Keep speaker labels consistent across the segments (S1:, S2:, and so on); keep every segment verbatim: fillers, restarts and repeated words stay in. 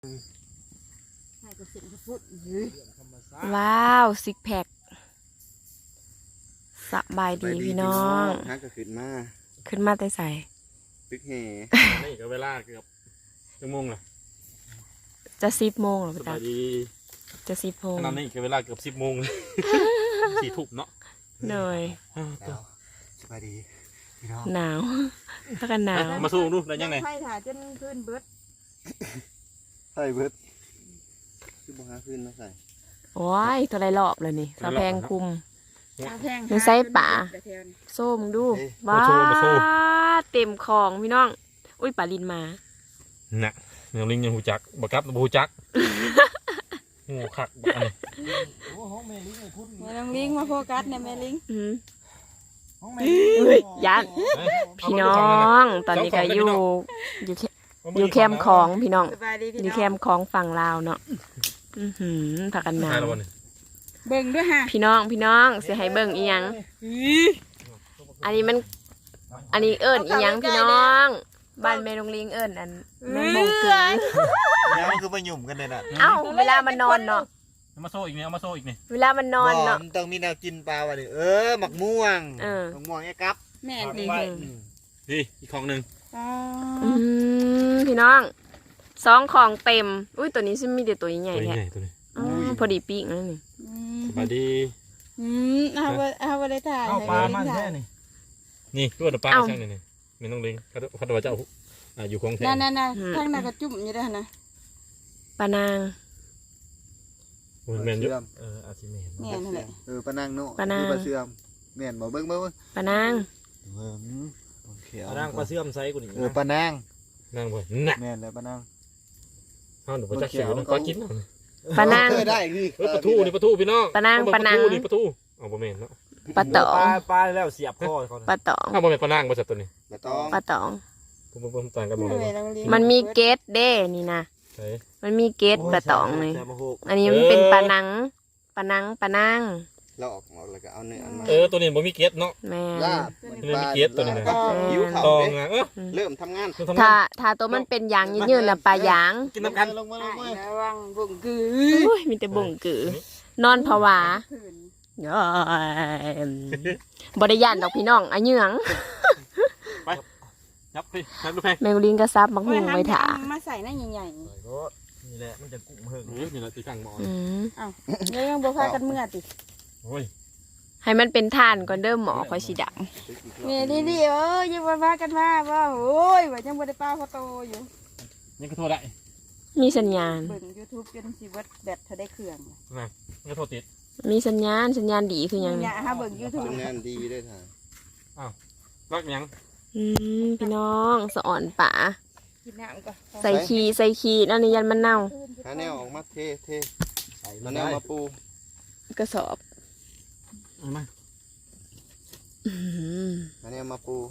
S1: ว้าวซิกแพคสบายดีพี่น้อง
S2: ฮักก็ขึ้นมา
S1: ขึ้นมาแต่ใส่
S2: ตึกแห่
S3: นี่ก็เวลาเกือบชั่วโมงละ
S1: จะสิบโมงหรอ
S3: ส
S1: พี่
S3: บา
S1: ตาย
S3: ดี
S1: จะสิบโมง
S3: ขนาดนี้ก็เวลาเกือบสิบโมงเลยสี่ทุ่มเนาะ
S1: เหนื่อย
S2: สบายดีพี่น้อง
S1: หนาวถ้ากันหนาว
S3: มาสู้ดูได้ยังไง
S4: ไฟถ่าจนพื้นเบิด
S2: ใส่เบิดคือบ่หาพื้นมาใส่
S1: โอ้ยตัวไรรอบเลยนี่สะแพงคุม
S4: แพง
S1: ยังใส่ป่าโซ่มึงดูว้าเต็มของพี่น้องอุ้ยปลาลินมา
S3: น่ะยังลิงยังหูจักบักกับบูจักงูขักบักอันนี้
S4: แม่ลิงลิงมาโฟกัสเนี่ยแม่ลิง
S1: ยันพี่น้องตอนนี้ก็อยู่อยู่อยู่แคมป์ของพี่น้องอยู่แคมป์ของฝั่งลาวเนาะอือหือผักกันหนาว
S4: เบิ่งด้วยฮะ
S1: พี่น้องพี่น้องเสียให้เบิ่งอีหยังอันนี้มันอันนี้เอิญอีหยังพี่น้องบ้านแม่ลงลิงเอิญอันแม่มงเกลือ
S2: แล้วมันคือมาหยุ่มกันเลยน่ะ
S1: เอ้าเวลามันนอนเนาะ
S3: เอามาโซ่อีกนี่เอามาโซ่อีกนี่
S1: เวลามันนอนเนาะ
S2: ต้องมีแนวกินปลาวะดิเออหมักม่วงหมักม่วงไอ้กับ
S4: แม่ดี
S3: พี่อีกของหนึ่ง
S1: อืมพี่น้องสองของเต็มอุ้ยตัวนี้ซึ่งมีแต่ตัวใหญ่
S3: ๆ
S1: แท้
S3: ตัวนี้
S1: พอดีปีกนั่นนี่
S3: สบายดี
S4: อืมเอาไปเอาไปเลยถ่าย
S2: เอาปลามันแค่นี่
S3: นี่ก็ว่าปลาช่างนี่นี่ไม่ต้องเลี้ยงเขาเขาตัวเจ้าอยู่คลองแท้
S4: นั่นนั่นนั่นข้างหน้าก็จุ่มอยู่ด้วยนะ
S1: ปลานาง
S3: แมนเยอะเอออาชิเมน
S4: แม่นั่นแหละ
S2: เออปลานางโน่
S1: ปลานาง
S2: ปลาเสื่อมแม่นบ่เบิ่งเบิ่ง
S1: ปลานาง
S2: เบิ่งโอเคป
S3: ลานางปลาเสื่อมไซส์กูนี่
S2: เออปลานาง
S3: นางบ่น่ะ
S2: แม่นแล้วปลานาง
S3: เอาหนูปลาจักเขียวปลากิน
S1: ปลานาง
S2: ได้ดิ
S3: เออปลาทูนี่ปลาทูพี่น้อง
S1: ปลานางปลานาง
S3: นี่ปลาทูเอาบ่แม่นเนาะ
S1: ปลาตอง
S2: ปลาแล้วเสียบคอเขา
S1: ปลาตอง
S3: เอาบ่แม่นปลานางบ่จัดตัวนี้
S2: ปลาตอง
S1: ปลาตอง
S3: ผมต่างกันหมดเลย
S1: มันมีเกตเด้นี่นะมันมีเกตปลาตองเลยอันนี้มันเป็นปลานังปลานังปลานาง
S2: เราออกหมดแล้วก็เอาเนื้อมา
S3: เออตัวนี้บ่มีเกตเนาะ
S1: แม่
S3: มันมีเกตตัวนี้นะ
S2: หิวเขาเด้เริ่มทำงาน
S1: ถ้าถ้าตัวมันเป็นยางยืดๆน่ะปลายาง
S3: กินน้ำกัน
S2: ลงมาลงมา
S4: ระวังบุ่งกือ
S1: อุ้ยมีแต่บุ่งกือนอนผวาบริยานดอกพี่น้องอันยืง
S3: ไปยับพี่ยับดูแพง
S1: แมงลิงกระซับมักหุ่งไว้ถ่า
S4: มาใส่หน้าใหญ่
S2: ๆนี่แหละมันจะกุ้งเพิ่ง
S3: นี่แหละตีข้างหมอน
S4: อ้าวยังบ่พากันเมื่อติ
S3: โอ้ย
S1: ให้มันเป็นทานก่อนเด้อหมอคอยสีด
S4: ำนี่ดีดีเออยังบ่พากันมาว่าโอ้ยว่ายังบ่ได้ปลาพอโตอยู่
S3: ยังก็โทษได้
S1: มีสัญญาณ
S4: เบิ่ง YouTube จนสิเบิดแบตถ้าได้เครื่อง
S3: นะยังก็โทษติด
S1: มีสัญญาณสัญญาณดีคือยัง
S4: เนี่ยฮะเบิ่ง YouTube
S2: สัญญาณดีด้วยท่า
S3: อ้าวรักยัง
S1: อืมพี่น้องสะอ่อนป่า
S4: กินน้ำก่อน
S1: ใส่ขี้ใส่ขี้นั่นนี่ยันมันเน่า
S2: หาแนวออกมาเทเทใส่มาแนวมาปู
S1: กระสอบ
S3: มา
S2: หาแนวมาปู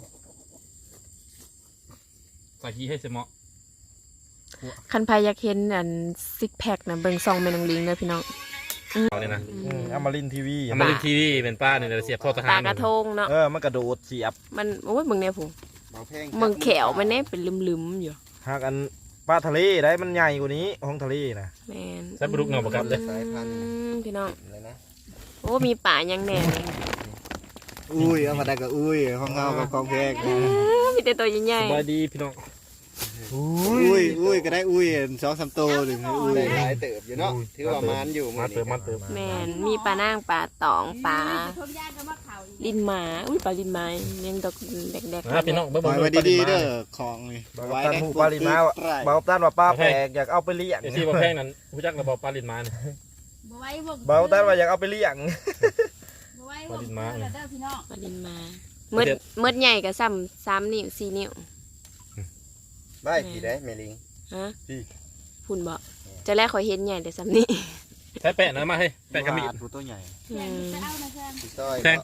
S3: ใส่ขี้ให้เสมอ
S1: คันพายากเห็นอันซิกแพคนะเบิ่งซองแม่นางลิงเลยพี่น้อง
S3: เอาเลยนะ
S2: อมรินทีวี
S3: อมรินทีวีเป็นป้าเนี่ยเสียบท่อทหาร
S1: ปลากระทงเนาะ
S2: เออมันกระโดดเสียบ
S1: มันโอ้ยมึงเนี่ยผมมึงแขวมันเนี่ยเป็นลืมๆอยู่
S2: หากอันปลาทะเลได้มันใหญ่กว่านี้ห้องทะเลนะ
S1: แม่น
S3: ใส่ปลุกเงาประกับเลย
S2: สายพันธุ์
S1: พี่น้องโอ้มีป่ายังแน่
S2: อุ้ยเอามาได้ก็อุ้ยห้องเงากับกองแพง
S1: มีแต่ตัวใหญ่
S3: ๆสบายดีพี่น้อง
S2: อุ้ยอุ้ยก็ได้อุ้ยสองสามตัวหนึ่งอุ้ยหลายเติบอยู่เนาะถือว่ามันอยู่
S3: มันเติมมันเติม
S1: แม่นมีปลานางปลาตองปลาลินหมาอุ้ยปลาลินหมายังดอกแดก
S3: ๆพี่น้องเบิ่ง
S2: ไว้ดีๆเด้อของนี่
S5: ไว้ในปลาลินหมาบ่าวต้านว่าปลาแปลกอยากเอาไปเลี้ยง
S3: ที่บ่แพงนั้นผู้จักระบอกปลาลินหมานี่
S5: บ่าวต้านว่าอยากเอาไปเลี้ยง
S3: ปลาลินหมา
S1: ปลาลินหมาเมื่อเมื่อใหญ่กับซ้ำสามนิ้วสี่นิ้ว
S2: ได้พี่ได้เมลิง
S1: ฮะพุ่นบ่จะแรกคอยเห็นใหญ่แต่ซ้ำนี่
S3: ใช้แปะนะมาให้แปะกระบี่
S2: ตัวใหญ่
S3: แพง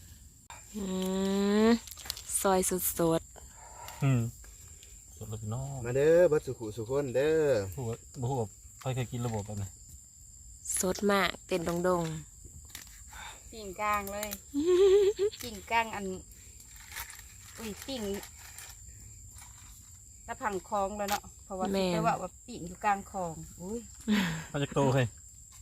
S1: ซอยสุดสด
S3: อืมสดเลยพี่น้อง
S2: มาเด้อบัดสุขุสุขคนเด้อ
S3: ผู้บ่ฮู้ใครเคยกินระบบแบบนี้
S1: สดมากเต้นดง
S4: ๆปิ่งกลางเลยปิ่งกลางอันอุ้ยปิ่งตะพังคลองแล้วเนาะพราะว่าแต่ว่าว่าปีนอยู่กลางคลองอุ้ย
S3: เขาจะโตเฮ้ย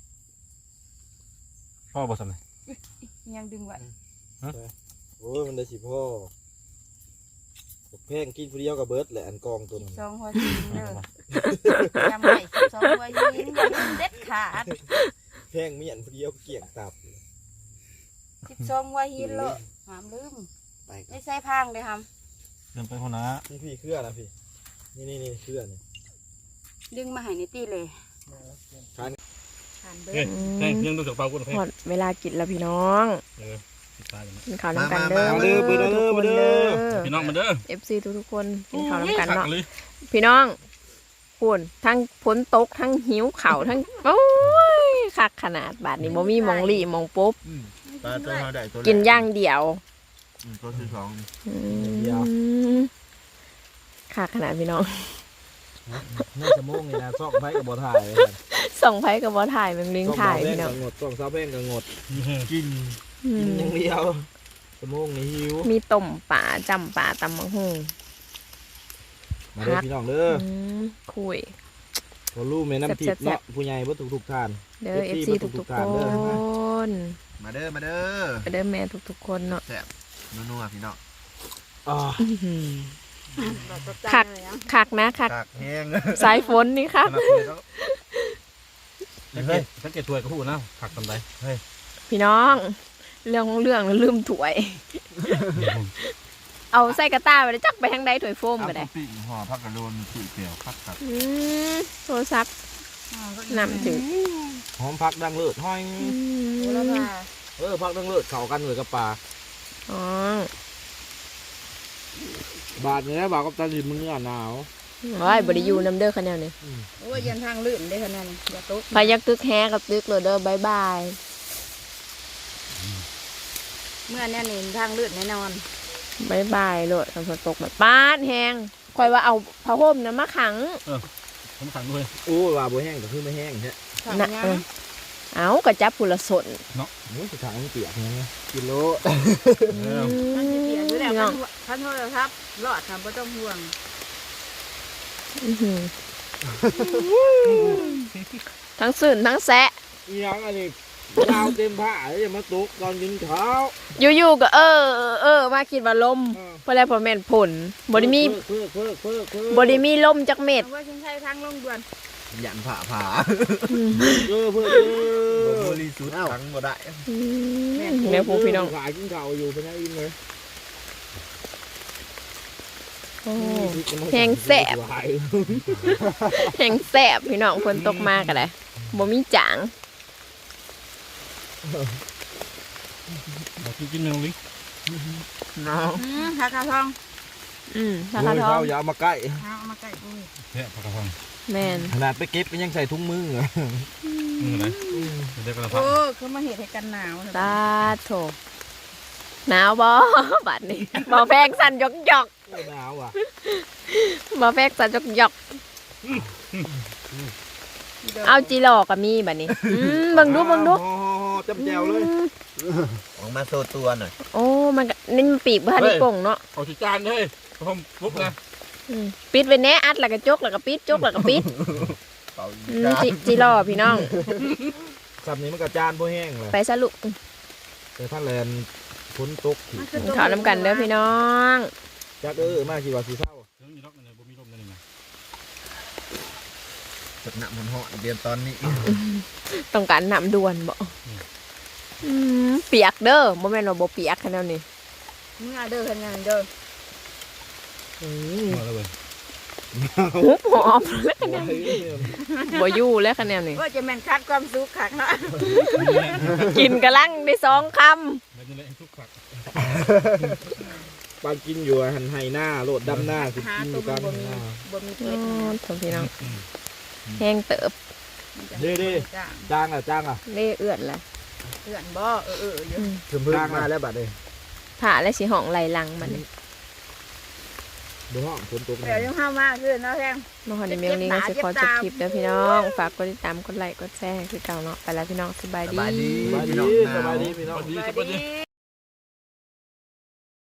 S3: พ่อบอกสำไง
S4: ยังดึงไว้
S5: โอ้ยมันได้สิพ่อแพงกินผู้เดียวกับเบิร์ดแหละอันกองตัวนั้น
S4: สองหัวหินเด้อจำไว้สองหัวหินอย่าลืมเด็ดขาด
S5: แพงมีอันผู้เดียวเกี่ยงตับ
S4: สิบสองหัวหินเลยห้ามลืม
S2: ไปก่อน
S4: ไม่ใส่พังเลยครับ
S3: เดินไปคนนะ
S5: นี่พี่เครือนะพี่นี่นี่นี่เครือนี่
S4: ดึงมาให้ในตีเลย
S5: ทาน
S4: ทานเบิ
S3: เฮ้ย
S4: ด
S3: เฮ้ยยังดูจากเปล่ากูนะ
S1: ห
S3: เฮ้ย
S1: มดเวลากินแล้วพี่น้อง
S3: เออติดตาอยู่นะ
S1: กินข้าวน้ำกันเด้อ
S5: มาเด้อมาเด้อมาเด้อ
S3: พี่น้องมาเด้อ
S1: เอฟซีทุกๆคนกินข้าวน้ำกัน
S3: ขั
S1: เนาะ
S3: เลย
S1: พี่น้องปุ่นทั้งฝนตกทั้งหิวเข่าวทั้งโอ้ยคักขนาดบาดนี้บ่มีหมองหลี่หมองปุ๊บ
S2: ปลาตัวเท่าใดตัว
S1: กินอย่างเดียว
S2: อืมตัวที่สองนี่
S1: อืมคักขนาดพี่น้อง
S5: น่าจะโมงนี่นะซอกไผ่กับบ่ถ่าย
S1: ส่งไผกับบ่ถ่ายแมงลิงถ่ายพี่น้อง
S5: งดซอกซาแป้งกับงด
S2: กิน
S1: อื
S5: กิน
S1: ม
S5: อย่างเดียวจะโมงนี่หิว
S1: มีต้มป่าจำป่าตำมังหู
S5: มาเด้อพี่น้องเด้อ
S1: อืมคุย
S5: พอรู้แม่น้ำทิพย์เนาะผู้ใหญ่บ่ทุกทุกๆท่าน
S1: เด้อ เอฟ
S5: เอฟ
S1: ซี
S5: ซี
S1: ทุก
S5: ทุ
S1: ทุก
S5: ก
S1: ๆ
S5: ๆ
S1: ค
S5: ท่านเด้อ
S1: น
S2: มาเด้อมาเด้อ
S1: เด้อแม่ทุกทุกๆคนเนาะ
S2: แซ่บนัวๆพี่น้อง
S5: อ่า
S1: อื้อหือ คัก คักนะคัก
S2: กากแห้ง
S1: สายฝนนี่คัก
S3: สังเกตสังเกตถ้วยก็พูดนะผักตำไดเฮ้ย
S1: พี่น้อง เรื่องของเรื่องลืมถ้วย เอาใส่กระต้าไปเลยจักไปทางใดถ้วยโฟมก็ได้
S2: ปีกห่อผักกระโดนสีเขียวคักคัก
S1: อืมโทรศัพท์นำถึง
S5: หอมพักดังเลิศห้อย
S1: อื
S4: โอ้แล้ว
S1: ม
S4: ค่ะ
S5: เออพักดังเลิศเข้ากันเลยกับปลา
S1: อ๋อบ
S5: าดนี่นะบาดกับตาดินมึงอ่ะหนาว
S1: โอ้ยบริยูน้ำเด้อคะแนนนี่
S4: โอ้ยยันทางลื่นได้ขนาดนี้อย่าตก
S1: พายักตึกแฮกับตึกเลยเด้อบายบาย
S4: เมื่อเนี่ยนี่ทางลื่นแน่นอน
S1: บายบายโลดฝนตกแบบป้าดแหงคอยว่าเอาผ้าห่มนะมาขัง
S3: ผมขังด้วย
S5: โอ้ว่าบ่แห้งก็คือไม่แห้งใช่
S4: ทาง
S1: นะ
S4: ยั
S1: เอง อเอากระจับผุละสน
S5: โอ้ยสุดท้ายมันเปียกไงกิโล
S4: มันจะเปลี่ยนอยู่แล้ว
S1: พี่น้อง
S4: พันโทษครับรอดทำไม่ต้องห่วง
S1: อื้อหือทั้งสื่นทั้งแซะ
S5: อีหยังอันนี้ดาวเต็มผ้าแล้วจะมาตกตอนกินข้าว
S1: อยู่ๆก็เออเออเออมาคิดว่าลมเพราะแล้วพอแม่นผลบริมี
S5: เพิ่มเพิ่มเพิ่มเพิ่ม
S1: บริมีลมจักเม็ด
S4: เอาว่าฉันใช้ทางลงด่วน
S2: ยันผ่าผ่า
S5: เพิ่มเพิ่ม
S2: บริสุทธิ์ทั้งบ่ได้
S1: อืมแม่ผู้พี่น้อง
S5: ขายกินข้าวอยู่เป็นยังอินเลย
S1: โอ้แหงแสบแหงแสบพี่น้องฝนตกมากกันเลยบ่มีจาง
S3: บอกกินกินเนื้อลิง
S2: น้อง
S4: อืมผักกระทอง
S1: อืม
S5: ข้า
S1: ถ้า
S5: ว
S1: กระทอง
S5: อย่าเอามาใกล้
S4: เอามาใกล้กู
S3: เนี่ยผักกระเพรา
S1: แม่น
S5: ขนาดไปเก็บก็ยังใส่ถุงมือ
S3: อืมอะไรเดี๋ยวกระเพรา
S4: โอ้คือมาเห็ดให้กันหนาว
S1: ตาโถหนาวบ่ บัดนี้บ่แพงสั่นยกยอก
S5: หนาวอ่ะ
S1: บ่แพงสั่นยกยอกเอาจีหลอกก็มีบัดนี้อืมเบิ่งดูเบิ่งดู
S5: จับแจวเลย
S2: ออกมาโซตัวหน่อย
S1: โอ้มันก็นี่มันปีกบ่ทันได้ป่งเนาะ
S3: เอาที่จานเลยผมปุ๊บนะ
S1: อืมปิดไว้แน่อัดแล้วก็จกแล้วก็ปิดจกแล้วก็ปิด
S2: เป่า
S1: อืมจิจีหลอพี่น้อง
S5: สับนี้มันกระจานบ่แห้งเลย
S1: ไปซะลูก
S5: แต่ถ้าแลนฝนตก
S1: กินข้าวน้ำกันเด้อพี่น้อง
S5: จักเออมาคิดว่าสิเศร้า
S3: เดี๋ยวมีล็อกอะไรบ่มีลมนั่นเองนะ
S2: จับหนักมันเหาะเดือนตอนนี้
S1: ต้องการน้ำด่วนบ่อืมเปียกเด้อบ่แม่นว่าบ่เปียกขนาดนี้
S4: เมื่อเด้อขนาดเด้อ
S3: มาแล้วเว้ย
S1: หุบหอบแล้วขนาดนี้บ่อยู่แล้วขนาดนี้
S4: ว่าจะแม่นคัดความสุขขักเนาะ
S1: กินกะลังได้สองค
S3: แล้วจะเละทุกผัก
S5: ปานกินอยู่หันไห้หน้าโลดดำหน้าสิ
S4: หา
S5: กินอ
S4: ตัว
S5: ยู่กลาง
S4: บ่มี
S5: หน้า
S4: บ่มี
S1: ำ
S4: เกล็ด
S1: อ๋อโถพี่น้องแห้งเติบ
S5: เด้เด้จ้างอ่ะจ้างอ่ะ
S1: เล่เอื้อนละ
S4: เพื่อนบ่เออเอออยู่
S5: เพิ่มเพิ่มมาแล้วบัดเลย
S1: ผ่าและสิห้องไหลหลังมันนี่
S5: ดูห้องฝนตก
S4: เดี๋ยวยังห้ามมาคือเนาะแทง
S1: มาหอในเมลนี้ก็สิขอจบคลิปแล้วพี่น้อง ฝากกดติดตามกดไลค์กดแชร์ให้คือเก่าเนาะไปแล้วพี่น้องสบาย
S2: ส
S1: ดี
S2: บายดี
S5: สบาย
S2: พี่
S5: ดี
S2: น้องหนาว
S5: สบายดีพี่น้อง
S3: สวัสดี
S4: ส
S3: ส
S4: วั
S3: วั
S4: ส
S3: สดี
S4: ดี